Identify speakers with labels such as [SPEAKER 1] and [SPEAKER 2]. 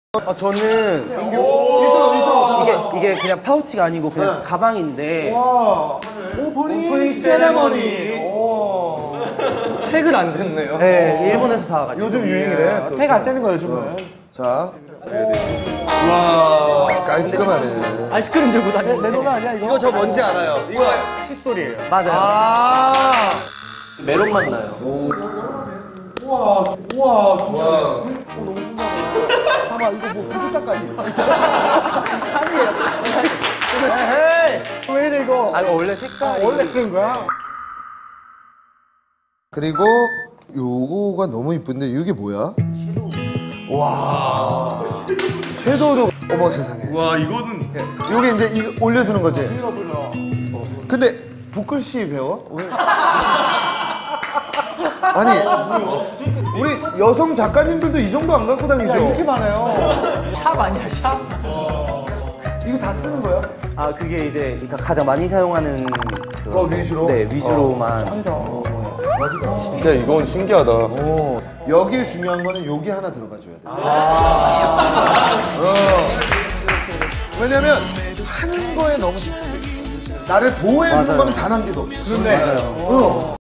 [SPEAKER 1] 저는 이게 그냥 파우치가 아니고 그냥 가방인데.
[SPEAKER 2] 오프닝 세레머니.
[SPEAKER 1] 택은 안 됐네요. 네, 일본에서 사와가지고.
[SPEAKER 2] 요즘 유행이래.
[SPEAKER 1] 택 안 떼는 거예요, 요즘은.
[SPEAKER 2] 자. 와. 깔끔하네.
[SPEAKER 1] 아이스크림 들고 다니는
[SPEAKER 3] 내 노래 아니야 이거?
[SPEAKER 2] 이거 저 뭔지 알아요. 이거 칫솔이에요.
[SPEAKER 1] 맞아요. 메론 맛 나요.
[SPEAKER 2] 우와, 진짜.
[SPEAKER 3] 너무 신기하다. 봐봐 이거 뭐 구두 닦아니?
[SPEAKER 2] 헤이.
[SPEAKER 3] 왜 이래 이거?
[SPEAKER 1] 아, 이거 원래 색깔이.
[SPEAKER 3] 원래 그런 거야?
[SPEAKER 2] 그리고 요거가 너무 이쁜데 이게 뭐야? 와. 섀도우도 어머 세상에.
[SPEAKER 4] 와 이거는
[SPEAKER 2] 요게 이제 이거 올려주는 거지.
[SPEAKER 3] 불러.
[SPEAKER 2] 근데 붓글씨 배워? 아니 우리 여성 작가님들도 이 정도 안 갖고 다니죠?
[SPEAKER 3] 이렇게 많아요.
[SPEAKER 1] 샵 아니야, 샵?
[SPEAKER 2] 이거 다 쓰는 거야?
[SPEAKER 1] 아, 그게 이제 그러니까 가장 많이 사용하는 그
[SPEAKER 2] 위주로?
[SPEAKER 1] 네, 위주로만.
[SPEAKER 2] 여기다.
[SPEAKER 4] 진짜 이건 신기하다.
[SPEAKER 2] 여기에 중요한 거는 여기 하나 들어가줘야 돼. 왜냐면 하는 거에 너무 집중돼 있어. 나를 보호해주는 거는 단 한 개도 없어.
[SPEAKER 1] 맞아요.